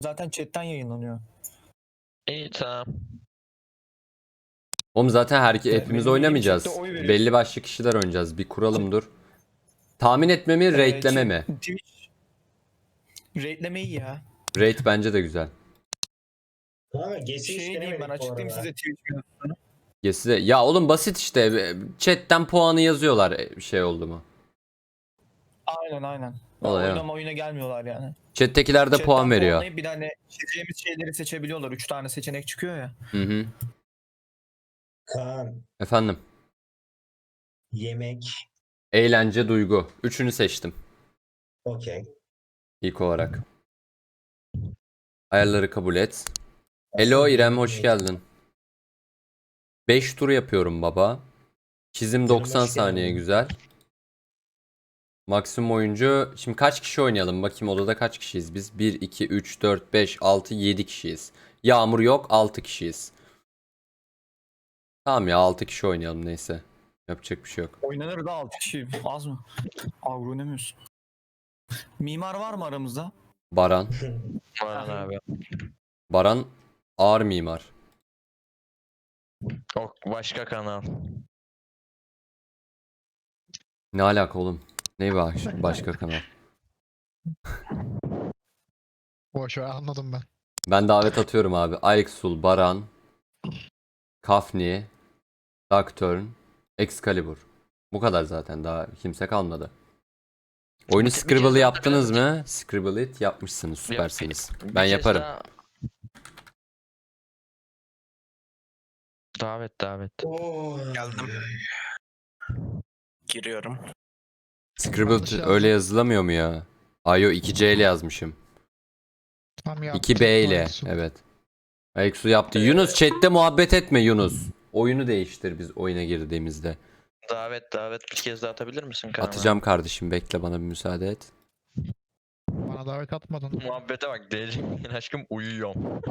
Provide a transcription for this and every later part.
Zaten chatten yayınlanıyor. İyi tamam. Oğlum zaten benim hepimiz yeni oynamayacağız. chatte oy veriyor. Belli başlı kişiler oynayacağız. Bir kuralım dur. Tahmin etme mi, rate'leme mi? Twitch rate'lemeyi ya. Rate bence de güzel. Ama GS'i hiç Şey diyeyim, ben denemedik bu açıklayayım arada. size Twitch mevzusunu. Size... Ya oğlum basit işte. Chat'ten puanı yazıyorlar bir şey oldu mu? Aynen. Olay o. Oyuna gelmiyorlar yani. Chat'tekiler de Chatten puan veriyor. puanlayıp bir de hani çizeceğimiz şeyleri seçebiliyorlar. 3 tane seçenek çıkıyor ya. Hı. Kaan, Efendim. yemek, Eğlence, duygu. Üçünü seçtim okey. ilk olarak. Ayarları kabul et. Hello İrem, hoş geldin. 5 tur yapıyorum baba. Çizim 90 hoş saniye geldin. güzel. Maksimum oyuncu. Şimdi kaç kişi oynayalım? Bakayım odada kaç kişiyiz biz? 1, 2, 3, 4, 5, 6, 7 kişiyiz. Yağmur yok, 6 kişiyiz. Tamam ya 6 kişi oynayalım neyse. Yapacak bir şey yok. Oynanır da 6 kişi. Az mı? Avro oynamıyorsun. Mimar var mı aramızda? Baran. Aman abi. Baran ağır mimar. O başka kanal. Ne alaka oğlum? Ne başka kanal? Boş ver, anladım ben. Ben davet atıyorum abi. Ayeksul, Baran, Kafni, Nocturne, Excalibur. Bu kadar zaten, daha kimse kalmadı. Oyunu Bir kez Scribble'ı daha yaptınız da mı? Scribble it yapmışsınız, süpersiniz. Bir Ben kez yaparım. daha- Davet. Oo. Geldim. Giriyorum. Scribble Yanlış öyle yazdım. yazılamıyor mu ya? Ayo 2C ile yazmışım. Tam yaptım. 2B ile, Ayaksu. evet. Ayeksu yaptı. Yunus chatte muhabbet etme Yunus. Oyunu değiştir biz oyuna girdiğimizde. Davet bir kez daha atabilir misin kanala? Atacağım kardeşim, bekle, bana bir müsaade et. Bana davet atmadın. Muhabbete bak deli. Aşkım uyuyorum.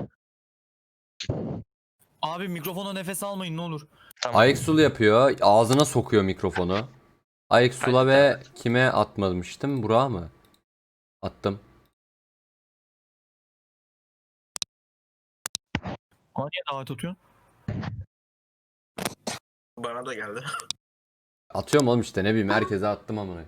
Abi mikrofona nefes almayın ne olur. Tamam. Ayeksul yapıyor. Ağzına sokuyor mikrofonu. Ayeksul'a Hadi ve kime atmamıştım? Burak'a mı? Attım. Bana niye davet atıyorsun? Bana da geldi. Atıyorum oğlum işte, ne bileyim, herkese attım amına.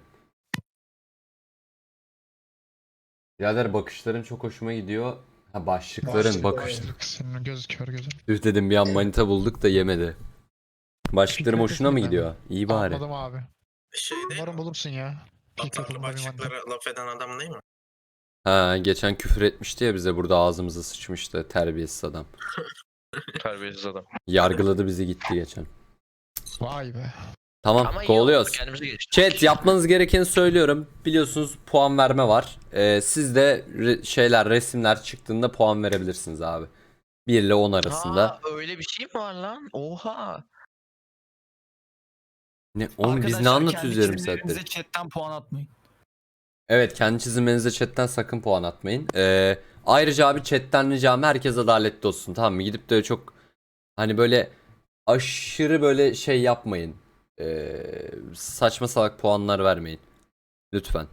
Birader bakışların çok hoşuma gidiyor. Ha, başlıkların bakış. Senin göz kör gözün. Üf dedim, bir an manita bulduk da yemedi. Başlıklarım hoşuna mı gidiyor? İyi bari. Anladım abi. Şey değil Umarım mi? bulursun ya. İlk Atarlı atımda bir mantık. başlıklara laf eden adam değil mi? Ha, geçen küfür etmişti ya bize, burada ağzımıza sıçmıştı, terbiyesiz adam. Terbiyesiz adam. Yargıladı bizi gitti geçen. Vay be. Tamam, Ama iyi oldu, kovalıyoruz. kendimize geçtik. Chat, yapmanız gerekeni söylüyorum. Biliyorsunuz puan verme var. Siz de resimler çıktığında puan verebilirsiniz abi. 1 ile 10 arasında. Ha, öyle bir şey mi var lan? Oha. Ne oğlum, biz ne Arkadaşlar, anlatıyoruz kendi yarım çizimlerinize saattir? chatten puan atmayın. Evet, kendi çizimlerinize chatten sakın puan atmayın. Ayrıca abi chatten ricam, herkes adaletli olsun, tamam mı? Gidip de çok hani böyle aşırı böyle şey yapmayın. Saçma salak puanlar vermeyin. Lütfen.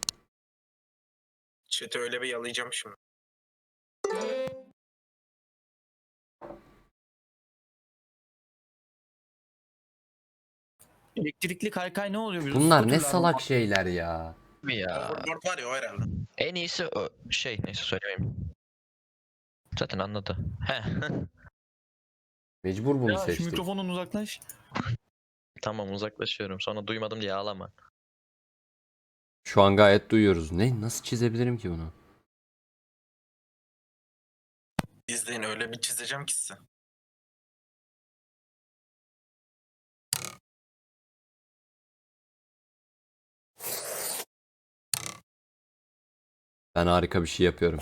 Chat'i öyle bir yalayacağım şimdi. Elektrikli kaykay ne oluyor? Bizim Bunlar ne scooterlar salak mı? şeyler ya. Ya. Overboard var ya o herhalde. En iyisi neyse söylemeyeyim. Zaten anladı. Heh. Mecbur bunu Ya şu seçtik. mikrofonun uzaklaş. Tamam uzaklaşıyorum. Sonra duymadım diye ağlama. Şu an gayet duyuyoruz. Ne? Nasıl çizebilirim ki bunu? İzleyin, öyle bir çizeceğim ki size. Ben harika bir şey yapıyorum.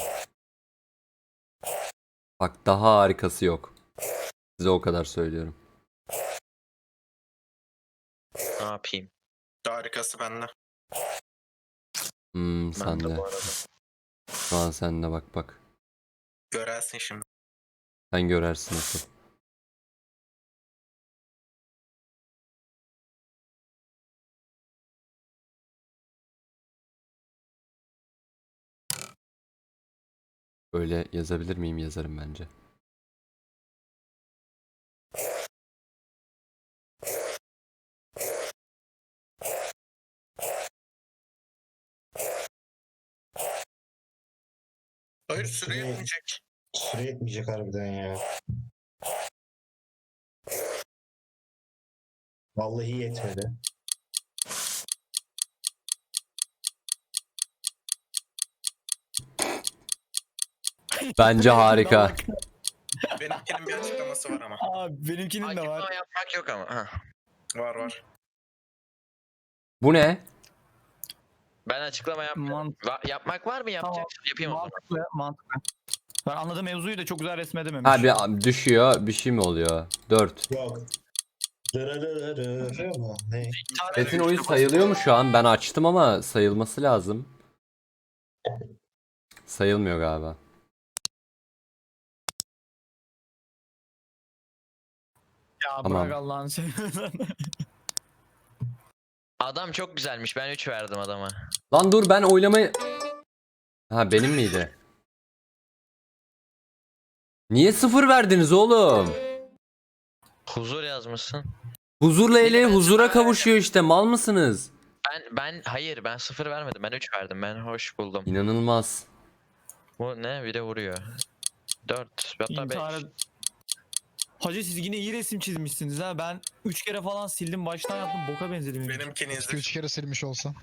Bak, daha harikası yok. Size o kadar söylüyorum. Ne yapayım? Harikası bende. Ben de Sende. bu arada. Şu an sende, bak. Görersin şimdi. Sen görersin nasıl. Böyle yazabilir miyim? Yazarım bence. Hayır süre yetmeyecek. Süre yetmeyecek harbiden ya. Vallahi yetmedi. Bence harika. Benimkinin bir açıklaması var ama. Abi benimkinin de var. Açıklama yapmak yok ama. Ha. Var var. Bu ne? Ben açıklama yapmak var mı? Yapacaksın. Yapayım o zaman. Mantıklı, mantıklı. Ben anladığım mevzuyu da çok güzel resmedememiş. Ha bir düşüyor. Bir şey mi oluyor? 4. Yok. Dırırırırı mı? Ne? Metin oyun sayılıyor mu şu an? Ben açtım ama sayılması lazım. Sayılmıyor galiba. Ya Tamam. bırak Allah'ını seversen. Adam çok güzelmiş. Ben 3 verdim adama. Lan dur ben oylamayı... Ha benim miydi? Niye 0 verdiniz oğlum? Huzur yazmışsın. Huzurla ele Ben huzura sıfır kavuşuyor işte. Mal mısınız? Hayır ben 0 vermedim. Ben 3 verdim. Ben hoş buldum. İnanılmaz. Bu ne? Bir de vuruyor. 4 hatta 5. İntihara... Hacı siz yine iyi resim çizmişsiniz ha. Ben 3 kere falan sildim. Baştan yaptım. Boka benzedi benim. Benimkini izle. 2-3 kere silmiş olsam.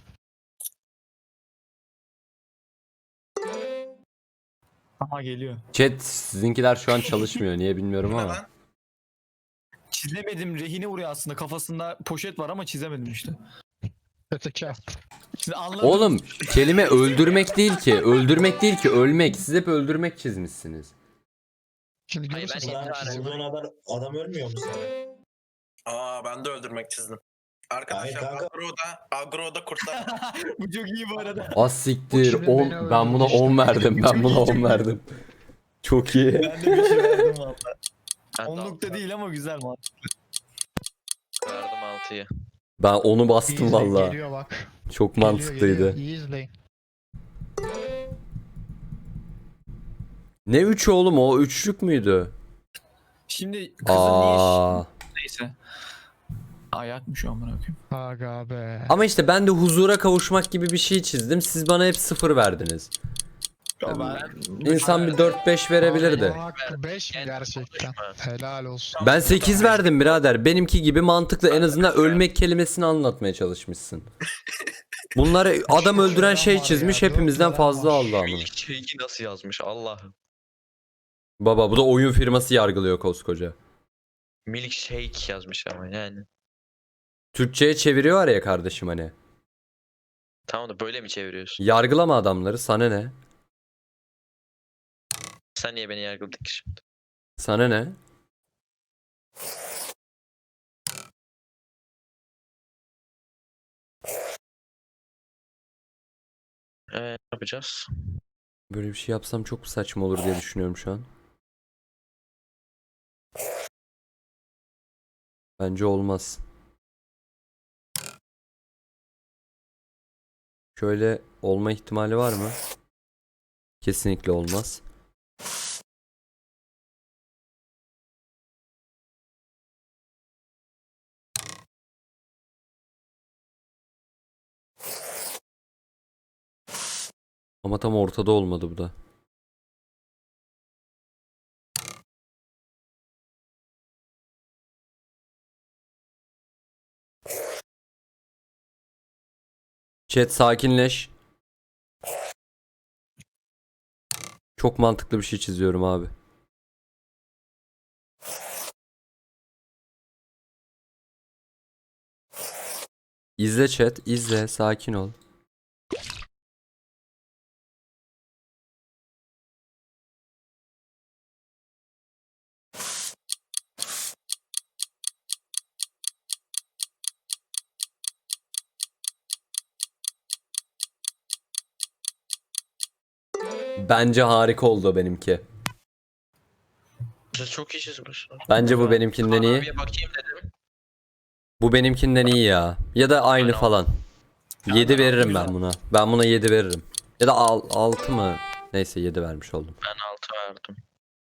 Aha geliyor. Chat sizinkiler şu an çalışmıyor. Niye bilmiyorum Bu ne ama. lan? Çizemedim. Rehine vuruyor aslında. Kafasında poşet var ama çizemedim işte. Öteki. Şimdi anladım. Oğlum kelime öldürmek değil ki. Öldürmek değil ki ölmek. Siz hep öldürmek çizmişsiniz. Şimdi Hayır, görürsün ben sen. intihar ettim. Vurduğun adam ölmüyor mu sana? Aa ben de öldürmek çizdim. Hayır Arkadaşlar kanka. agroda kurtlar. Bu çok iyi bu arada. Az siktir. Şimdi 10. beni Ben buna öldürdü 10 işte. verdim. Ben buna 10 verdim. Çok iyi. Ben de bir şey verdim valla. Ben de Onluk da değil ama güzel man. verdim 6'yı. Ben onu İyi bastım izleyin, valla. Geliyor bak. Çok Geliyor, mantıklıydı. geliyor. İyi izleyin. Ne 3 oğlum o? Üçlük müydü? Şimdi kızın niye Aa. neyse. Ayakmış şu an bırakayım. Aga be. Ama işte ben de huzura kavuşmak gibi bir şey çizdim. Siz bana hep 0 verdiniz. İnsan bir 4-5 verebilirdi. Allah hakkı 5 mi gerçekten? Helal olsun. Ben 8 verdim birader. Benimki gibi mantıklı en azından ölmek kelimesini anlatmaya çalışmışsın. Bunları adam öldüren şey çizmiş hepimizden fazla aldı ama. İlk şeyi nasıl yazmış Allah'ım. Baba bu da oyun firması yargılıyor koskoca. Milkshake yazmış ama yani. Türkçe'ye çeviriyor ya kardeşim hani. Tamam da böyle mi çeviriyorsun? Yargılama adamları sana ne? Sen niye beni yargıladın ki şimdi? Sana ne? Ne yapacağız? Böyle bir şey yapsam çok saçma olur diye düşünüyorum şu an. Bence olmaz. Şöyle olma ihtimali var mı? Kesinlikle olmaz. Ama tam ortada olmadı bu da. Chat sakinleş. Çok mantıklı bir şey çiziyorum abi. İzle chat, izle, sakin ol. Bence harika oldu benimki. Siz çok iyi çizmişsiniz. Bence bu benimkinden iyi. Abiye bakayım dedim. Bu benimkinden iyi ya. Ya da aynı Aynen. falan. 7 veririm ben buna. Ben buna 7 veririm. Ya da 6 mı? Neyse 7 vermiş oldum. Ben 6 verdim.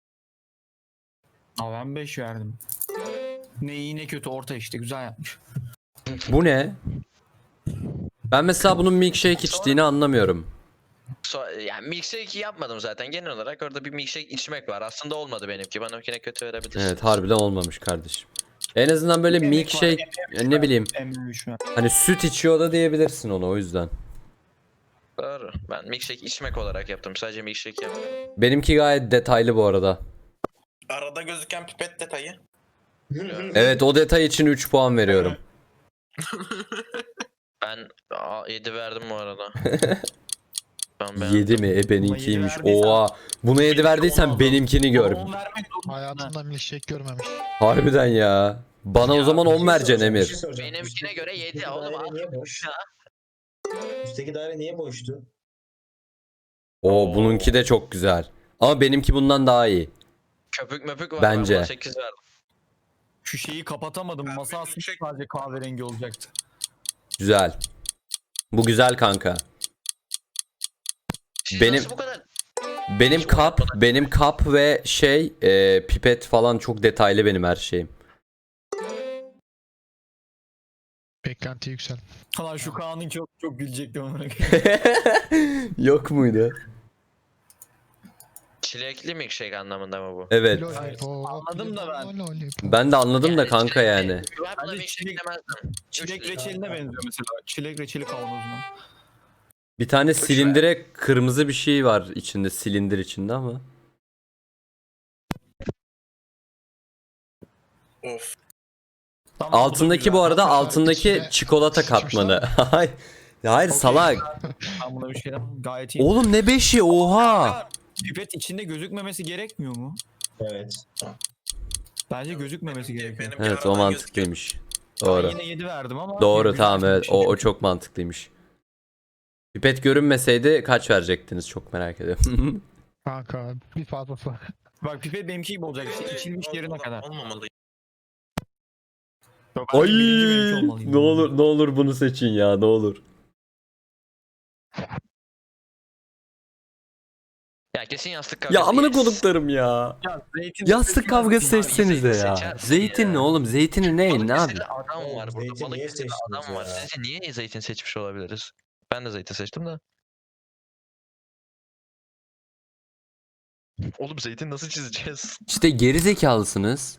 Aa, ben 5 verdim. Ne iyi ne kötü orta işte güzel yapmış. Bu ne? Ben mesela bunun milkshake içtiğini anlamıyorum. Yani milkshake yapmadım zaten. Genel olarak orada bir milkshake içmek var. Aslında olmadı benimki. Benimkine kötü verebilirsin. Evet harbiden olmamış kardeşim. En azından böyle Emek milkshake var, ne bileyim M3 ver. hani süt içiyor da diyebilirsin ona o yüzden. Doğru. Ben milkshake içmek olarak yaptım. Sadece milkshake yapmadım. Benimki gayet detaylı bu arada. Arada gözüken pipet detayı. Evet o detay için 3 puan veriyorum. Ben 7 verdim bu arada. Ben 7 mi? Buna Benimkiymiş. 7 verdiysen- Oha. Buna 7 verdiysen Olmaz. benimkini gör. Ama 10 vermek zorunda. Hayatında milkshake görmemiş. Harbiden ya. Bana o Ya, zaman Bir 10 şey vereceksin soracağım, bir Emir. şey soracağım. Benimkine Üstteki- göre 7 üstteki oğlum. daire niye boş? Ya. Üstteki daire niye boştu? Oo bununki de çok güzel. Ama benimki bundan daha iyi. Köpük möpük var. Bence. Ben buna 8 verdim. Şu şeyi kapatamadım. Ben Masa benim aslında şey- sadece kahverengi olacaktı. Güzel. Bu güzel kanka. Siz Benim- nasıl bu kadar? Benim kap ve şey pipet falan çok detaylı benim her şeyim. Beklenti yüksel. Lan şu Kaan'ın çok çok gülecektim ona. Yok muydu? Çilekli milkshake anlamında mı bu? Evet. Lollipop, Anladım da ben. lollipop. Ben de anladım da Yani kanka çilekli- yani. Ben buna Bence milkshake çilek- demezdim. Çilek Üç- reçeline benziyor mesela. Çilek reçeli kavanozuna. Bir tane silindire kırmızı bir şey var içinde, silindir içinde ama. Of. Tamam, Altındaki bu arada Arkadaşlar, altındaki içine çikolata sıçmışlar katmanı. mı? Hayır. Hayır Okey. salak. Ben buna bir şey demem. Gayet iyi. Oğlum ne 5'i oha. Pipet içinde gözükmemesi gerekmiyor mu? Evet. Bence gözükmemesi gerekiyor. Benimki Evet o aradan mantıklıymış. Ben Doğru. yine 7 verdim ama. Doğru güzel tamam evet bir şey. o çok mantıklıymış. Pipet görünmeseydi kaç verecektiniz çok merak ediyorum. Kanka bir fazlası. Bak pipet benimki gibi olacak işte içilmiş yerine kadar. Olmamalı. Yok, bence Ay birinci benimki olmalıydı. ne olur bunu seçin ya ne olur. Ya kesin yastık kavgası. Ya amına yes. koduklarım ya. Ya, zeytin Yastık kavgası Abi, seçsenize zeytin ya. seçersin Zeytin ya. ne oğlum? Zeytini ne? Ne Balıkesir'de abi? adam var burada. Zeytin niye Balıkesir'de seçtiniz adam var. ya? Sizce niye zeytin seçmiş olabiliriz? Ben de zeytin seçtim de. Oğlum zeytin nasıl çizeceğiz? İşte geri zekalısınız.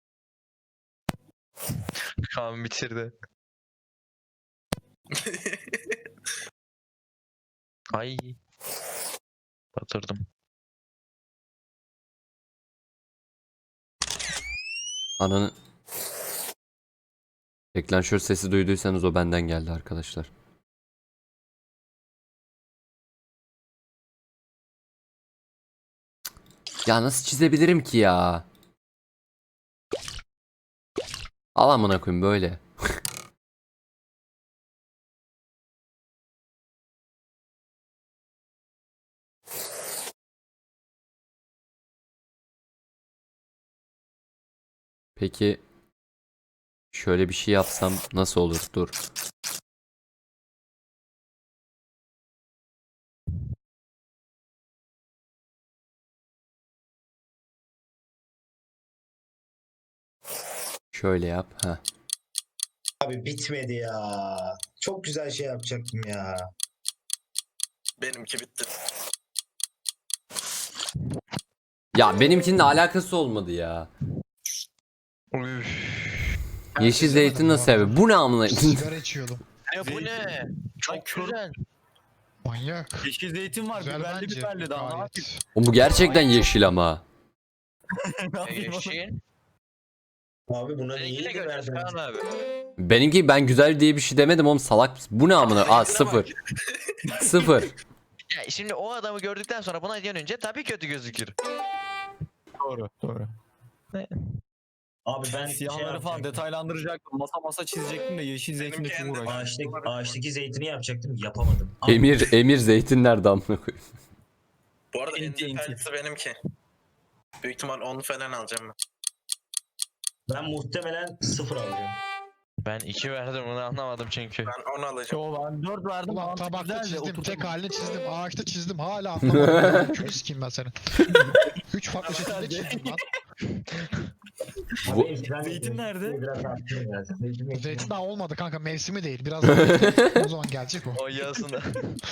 Kaan bitirdi. Ay. Batırdım. Ananı... Deklanşör sesi duyduysanız o benden geldi arkadaşlar. Ya nasıl çizebilirim ki ya? Al amına koyayım böyle. Peki şöyle bir şey yapsam nasıl olur? Dur. Şöyle yap. Heh. Abi bitmedi ya. Çok güzel şey yapacaktım ya. Benimki bitti. Ya benimkinin de alakası olmadı ya. Yeşil çizemedim zeytin bu nasıl arada. abi? Bu ne amına? Sigara içiyordum. Ya bu ne? Çok kör- güzel. Manyak. Yeşil zeytin var. Güzel Biberli bence. biberli daha. Ne Gayet. yapayım? O bu gerçekten yeşil ama. Ne yapayım? Yeşil. Abi buna niye Seninkine 7 göreceğiz verdiniz? Kaan abi. Benimki ben güzel diye bir şey demedim oğlum salak mısın? Bu ne amına? Aa sıfır. Sıfır. Ya şimdi o adamı gördükten sonra buna dönünce tabii kötü gözükür. Doğru. Doğru. Abi ben Siyahları falan yapacaktım. detaylandıracaktım. Masa çizecektim de yeşil zeytinle Benimki çok en uğraştım. Ağaçtaki zeytini yapacaktım. Yapamadım. Abi, Emir zeytin nerede amına koyayım? Bu arada en Enti. detaylısı benimki. Büyük ihtimal 10 falan alacağım ben. ben muhtemelen 0 alacağım. Ben 2 verdim bunu anlamadım çünkü. Ben 10 alacağım. Yo ben 4 verdim. Ulan mantık tabakta güzel de çizdim, oturtamadım. tek halini çizdim, ağaçta çizdim, hala anlamadım. Külü sikeyim ben senin. 3 farklı şekilde çizdim lan. Bu- Zeytin nerede? Biraz arttırın ya. Zeytin daha olmadı kanka, mevsimi değil. Biraz daha bekle. O zaman gelecek o. O yasını.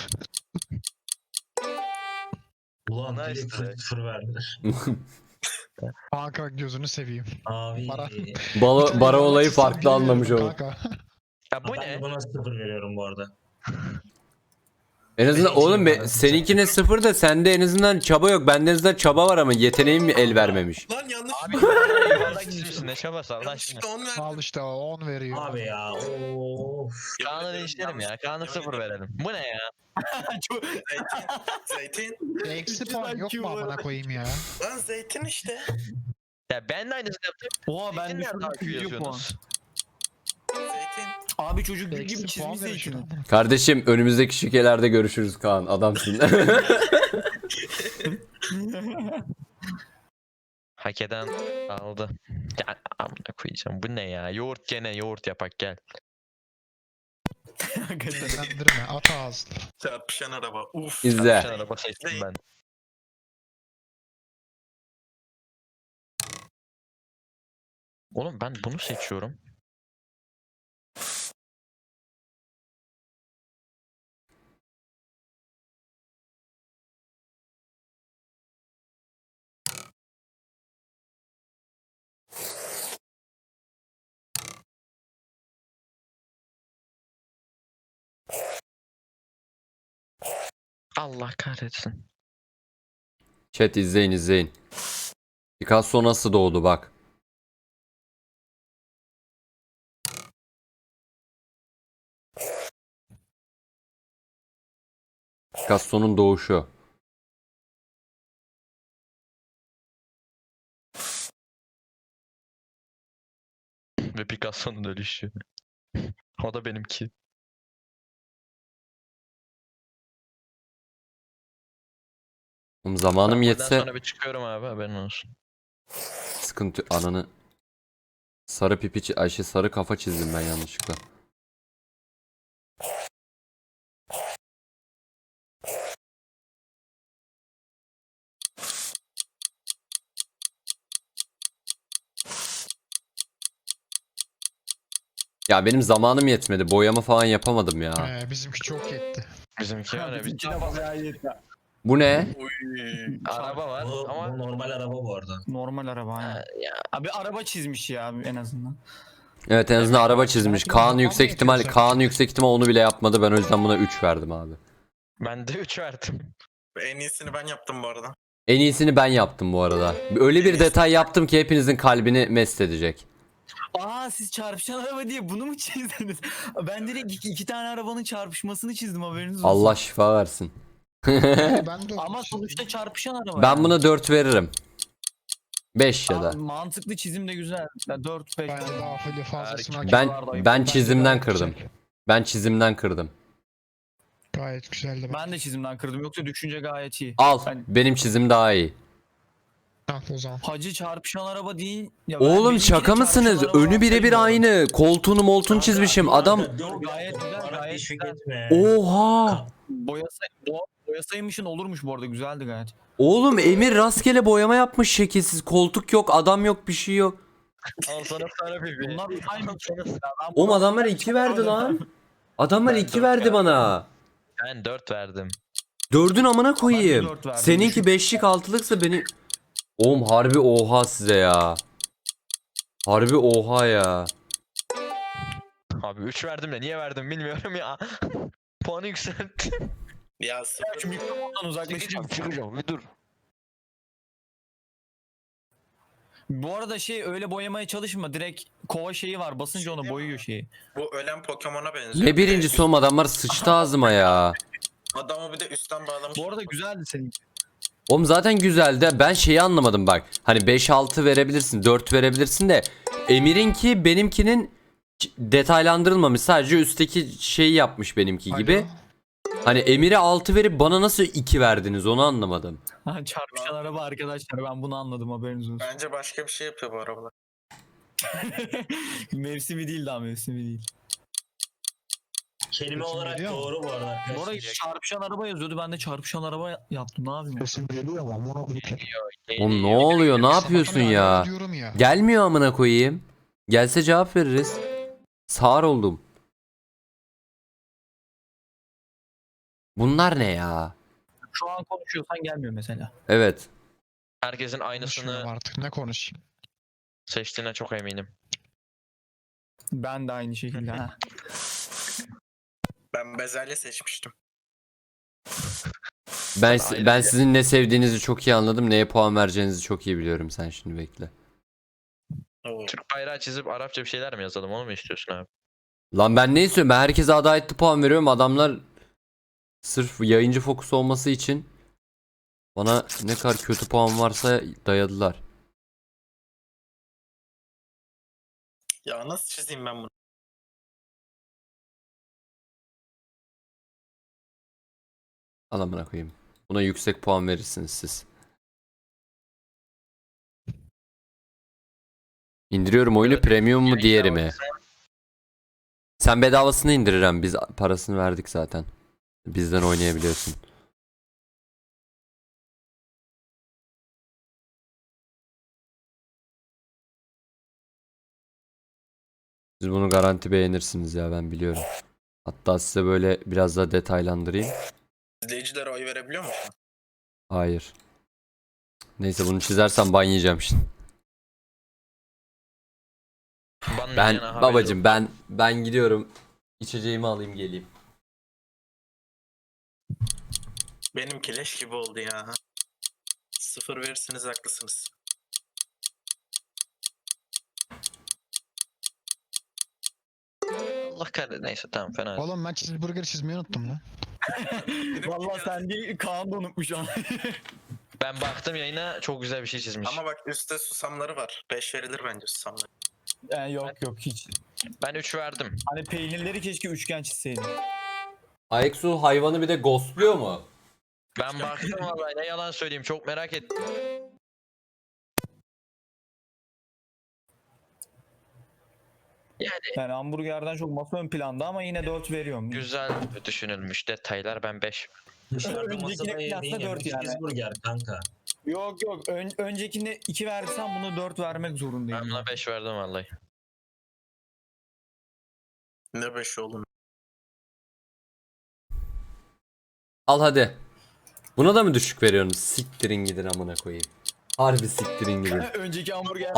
Ulan Nice direkt try. sıfır verdiler. Kanka gözünü seveyim. Abi. Para. Bara olayı Çizsem farklı bilmiyorum anlamış o. kanka. Ya bu Ben ne? de buna sıfır veriyorum bu arada. En azından Benim oğlum için var. seninkine 0 da sende en azından çaba yok. Bende en azından çaba var ama yeteneğim mi el vermemiş. Lan yanlış. Abi yuvarlak çizmişsin ne çabası Allah aşkına. Yanlışlıkla 10 verdim. Al işte o 10 veriyor. Abi ya. Of. Kaan'ı değiştirelim ya. Kaan'a 0 verelim. Bu ne ya? Çok- Zeytin. Eksi Üçünden puan yok Q mu var. amına koyayım ya? Lan zeytin işte. Ya ben de aynısını yaptım. Oha ben Zeytin nerede düşürdüm akıyor 100 puan. yazıyorsunuz? Zeytin. Abi çocuk gül gibi Eksi puan çizmiş verir şuna. zeytini. Kardeşim önümüzdeki şikelerde görüşürüz Kaan. Adamsın. Hak eden aldı. Ya amına koyacağım. Bu ne ya? Yoğurt gene yoğurt yapak gel. Sinirlendirme, at ağzını. Çarpışan araba. Uf. İzle. Çarpışan araba seçtim ben. Oğlum ben bunu seçiyorum. Allah kahretsin. Chat izleyin izleyin. Picasso nasıl doğdu bak. Picasso'nun doğuşu. Ve Picasso'nun ölüşü. O da benimki. Oğlum zamanım Ben buradan yetse sonra bir çıkıyorum abi haberin olsun. sıkıntı ananı. Sarı pipi Ayşe sarı kafa çizdim ben yanlışlıkla. Ya benim zamanım yetmedi. Boyama falan yapamadım ya. Bizimki çok yetti. Bizimki öyle bir Bizimkine bayağı iyi. Bu ne? Uy. araba var Bu ama normal araba bu arada. Normal araba aynen. ya Abi araba çizmiş ya en azından. Evet en azından araba çizmiş. Zaten Kaan zaman yüksek ihtimal yetiyor Kaan yüksek ihtimal onu bile yapmadı. Ben o yüzden buna 3 verdim abi. ben de 3 verdim. En iyisini ben yaptım bu arada. En iyisini ben yaptım bu arada. Öyle bir detay yaptım ki hepinizin kalbini mest edecek. Aa siz çarpışan araba diye bunu mu çizdiniz? Ben direkt iki tane arabanın çarpışmasını çizdim haberiniz olsun. Allah şifa versin. Ben de Ama sonuçta çarpışan araba. Ben yani. buna 4 veririm. 5 ya Aa, da. mantıklı çizim de güzel. 4 5. Ben daha fazlasını hak Ben ettim. ben Bence çizimden gayet kırdım. güzel. Ben çizimden kırdım. Gayet güzeldi. Ben de çizimden kırdım yoksa düşünce gayet iyi. Al. Ben- Benim çizim daha iyi. Al o zaman. Hacı çarpışan araba değil. Ya Oğlum benimki de şaka çarpışan mısınız? araba Önü birebir sayılmıyor. aynı. Koltuğunu moltuğunu çizmişim. Adam Gayet güzel, gayet teşvik güzel. etme. oha. Boyasaymışın olurmuş bu arada güzeldi gayet. Oğlum Emir rastgele boyama yapmış şekilsiz. Koltuk yok, adam yok, bir şey yok. Al sana para pipi. Bunlar aynı. Oğlum adamlar 2 verdi lan. Adamlar Ben 2 dört verdi verdim. bana. Ben 4 verdim. 4'ün amına Ben de koyayım. dört verdim, Seninki düşün. 5'lik 6'lıksa beni... Oğlum harbi oha size ya. Harbi oha ya. Abi 3 verdim de niye verdim bilmiyorum ya. Puanı yükselttim. Ya sıfır. Şu mikrofondan uzaklaşacağım. çıkacağım bir dur. Bu arada öyle boyamaya çalışma. Direkt kova şeyi var. Basınca onu boyuyor şeyi. Bu ölen Pokemon'a benziyor. Ne birincisi oğlum adamlar sıçtı ağzıma ya. Adamı bir de üstten bağlamış. Bu arada güzeldi senin. Oğlum zaten güzeldi. Ben şeyi anlamadım bak. Hani 5-6 verebilirsin, 4 verebilirsin de Emir'inki benimkinin detaylandırılmamış. Sadece üstteki şeyi yapmış benimki gibi. Hani Emir'e 6 verip bana nasıl 2 verdiniz onu anlamadım. Ha, çarpışan araba arkadaşlar ben bunu anladım haberiniz olsun. Bence başka bir şey yapıyor bu arabalar. Mevsimi değil, daha mevsimi değil. Kelime Sesim olarak geliyor mu? doğru bu arada. Bu arada arkadaşlar. çarpışan araba yazıyordu. Ben de çarpışan araba yaptım. Ne yapayım? Sesim geliyor mu? Amına koyayım. Oğlum ne oluyor? Ne yapıyorsun Sabahtan beri ya? alo diyorum ya. Gelmiyor amına koyayım. Gelse cevap veririz. Sağır oldum. Şu Bunlar ne ya? an konuşuyorsan gelmiyor mesela. Evet. Herkesin Konuşmuyorum aynısını artık ne konuşayım. seçtiğine çok eminim. Ben de aynı şekilde. Ha. Ben bezelye seçmiştim. Ben Ayrı ben bir- sizin ne sevdiğinizi çok iyi anladım. Neye puan vereceğinizi çok iyi biliyorum. Sen şimdi bekle. Oo. Türk bayrağı çizip Arapça bir şeyler mi yazalım, onu mu istiyorsun abi? Lan ben ne istiyorum? Ben herkese adaletli puan veriyorum. Adamlar sırf yayıncı fokus olması için bana ne kadar kötü puan varsa dayadılar. Ya nasıl çizeyim ben bunu? Al amına koyayım. Buna yüksek puan verirsiniz siz. İndiriyorum oyunu, premium mu diğeri mi? Sen bedavasını indirirem. Biz parasını verdik zaten. Bizden oynayabiliyorsun. Siz bunu garanti beğenirsiniz ya, ben biliyorum. Hatta size böyle biraz daha detaylandırayım. İzleyicilere oy verebiliyor musun? Hayır. Neyse, bunu çizersem ban yiyeceğim şimdi. Ben babacım, ben gidiyorum. İçeceğimi alayım geleyim. Benimki leş gibi oldu ya. 0 verirsiniz haklısınız. Allah kahretsin, neyse tamam, fena değil. Oğlum ben cheeseburger çizmeyi unuttum lan. Vallahi sen değil, Kaan da unutmuş şu an. Ben baktım yayına, çok güzel bir şey çizmiş. Ama bak üstte susamları var. 5 verilir bence susamları. Yani yok hiç. Ben 3 verdim. Hani peynirleri keşke üçgen çizseydin. Ayeksu hayvanı bir de ghostluyor mu? Ben baktım vallahi, ne yalan söyleyeyim, çok merak ettim. Yani hamburgerden çok masa ön planda ama yine 4 veriyorum. Güzel düşünülmüş detaylar, ben 5. Dışarıda Öncekine masada kıyasla yediğin 4 yemek yani. cheeseburger kanka. Yok öncekinde 2 versem bunu 4 vermek Ben zorundayım. buna 5 verdim vallahi. Ne 5 oğlum. Al hadi. Buna da mı düşük veriyorsunuz? Siktirin gidin amına koyayım. Harbi siktirin gidin. Önceki hamburger.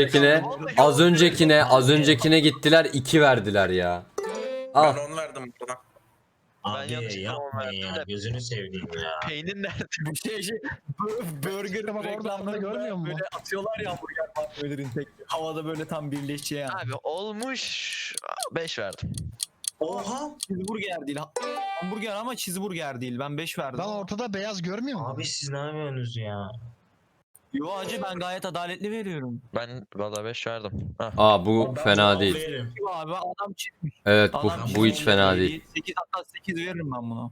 Az öncekine gittiler 2 verdiler ya. Al. Ben 10 verdim burada. Abi yanlışlıkla yapmayın ya. verdim de- Gözünü seveyim ya. Peynir nerede? Bu burger Bak orada reklamlarında görmüyor musun? böyle atıyorlar ya hamburger patlıların tek havada böyle tam birleşeceği yani. Abi olmuş, 5 verdim. Oha. Cheeseburger değil. Hamburger ama cheeseburger değil. Ben 5 verdim. Lan ortada beyaz görmüyor musun? Abi siz ne yapıyorsunuz ya? Yo hacı, ben gayet adaletli veriyorum. Ben vallahi 5 verdim. Ah. Aa, bu Ben fena cevap değil. veririm. Yo abi adam çizmiş. Evet, Adam bu hiç çizmiş. fena değil. 8 hatta 8 veririm ben buna.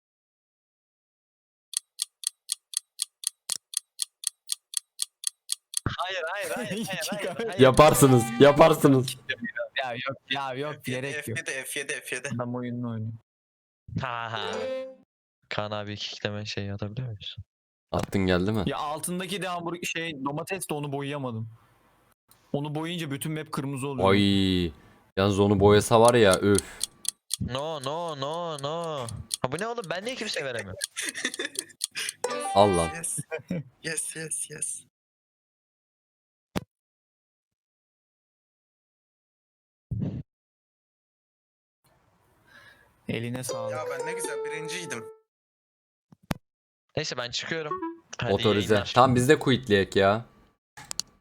Hayır. Yaparsınız. Yok gerek yok. F7. Adam oyununu oynuyor. Ha. Kaan abi kikleme şey atabiliyor muyuz? Attın geldi mi? Ya altındaki de hamburger domates de onu boyayamadım. Onu boyayınca bütün map kırmızı oluyor. Ay. Yalnız onu boyasa var ya, öf. No. Ha bu ne oğlum, ben niye kimse veremiyorum? Al lan. Yes. Eline sağlık. Ya ben ne güzel birinciydim. Neyse ben çıkıyorum. Hadi Otorize. yayınlar. Tam biz de quitleyek ya.